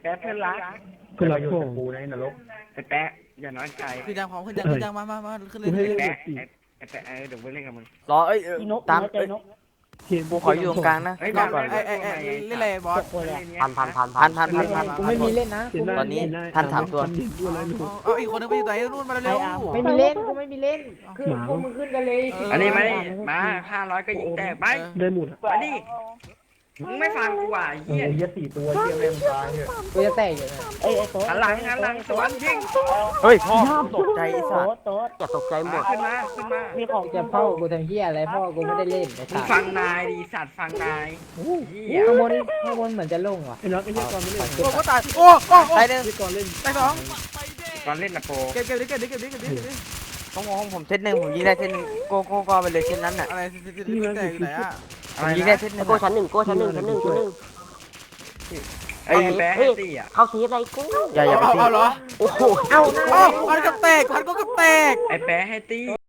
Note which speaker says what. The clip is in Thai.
Speaker 1: แป๊ะเพื่อนรัก
Speaker 2: เพื่อนรัก
Speaker 3: อยู่
Speaker 2: พ่อ
Speaker 3: กับกูในนรก
Speaker 1: ไอ้แป๊ะอย่าน้อยใจ
Speaker 4: ขึ้นยังพร้อมขึ้นยังมาขึ้นเลย
Speaker 2: กูให้เล่น
Speaker 1: แป๊ะ
Speaker 2: แบบสี่
Speaker 1: ไอ้แป๊ะเดี๋ยวไปเล่นกับมึง
Speaker 5: รอตาม
Speaker 2: เทียน
Speaker 5: กูขออยู่ตรงกลางนะ
Speaker 1: เฮ้ย
Speaker 5: ก่
Speaker 1: มา
Speaker 5: อนก่อน
Speaker 4: เล่นอะไรบอส
Speaker 5: พัน
Speaker 6: กูไม่มีเล่นนะ
Speaker 5: ตอนนี้ท่านถามตัว
Speaker 2: ดูอะไรหนู
Speaker 4: เอาอีกคนนึงไปอยู่ไหนนู่นมาเร็ว
Speaker 6: ไม่มีเล่นกูไม่มีเล่นคือพวกมึงขึ้นกันเลย
Speaker 1: อันนี้มา500ก็ยิงแตกไป
Speaker 2: ได้หมดอ่ะ
Speaker 1: อันนี้มึงไม่ฟังกูว่ะไอ้
Speaker 3: เฮี
Speaker 1: เหี้ย
Speaker 3: ย4 ตัวเฮียแม่งตายเนี่ย
Speaker 6: กูจะแตกอยู่นะไอ้โต๊ะ
Speaker 1: หันหลังสวนยิง
Speaker 5: เฮ้ยพ่อตกใจไอ้สัตว์
Speaker 6: โต๊ะ
Speaker 5: อย่าตกใจหมด
Speaker 1: ขึ้นมา
Speaker 6: มีของจะพ่อกูทำเหี้ยอะไรพ่อกูไม่ได้เล่นไอ้
Speaker 1: มึง
Speaker 6: สั
Speaker 1: ฟั
Speaker 6: ตว์
Speaker 1: งนายดีสัตว์ฟังนายเหี้ย
Speaker 6: ข้างบนเหมือนจะโล่งว่ะ
Speaker 2: ไอ้น็อตไอ้เหี้ยก่อนไม่เล่น
Speaker 4: ๆโอ้ก็ตายโอ้
Speaker 5: ตายหนึ่ง
Speaker 2: ไอ้ก่อนเล่น
Speaker 4: ตายสอง
Speaker 1: ตอนเล่นนะโป
Speaker 4: เก็บดิ
Speaker 5: ของผมเซตหนึ่งผมยิงได้เซตหนึ่งโก้ไปเลยเซตนั้นน่ะ
Speaker 4: อะไรแตกอยู่ไหนอ่ะ
Speaker 5: ผมยิงได้เซตหนึ่ง
Speaker 7: โก้ชั้นหนึ่ง
Speaker 1: ไอ้แป๊ะตี้อ่ะ
Speaker 7: เข้าทีอะไรกู
Speaker 5: อย่าไปตี
Speaker 4: เอาเหรอ
Speaker 5: โอ้โห
Speaker 4: พันก็แตก
Speaker 1: ไอ้แป๊ะให้ตี้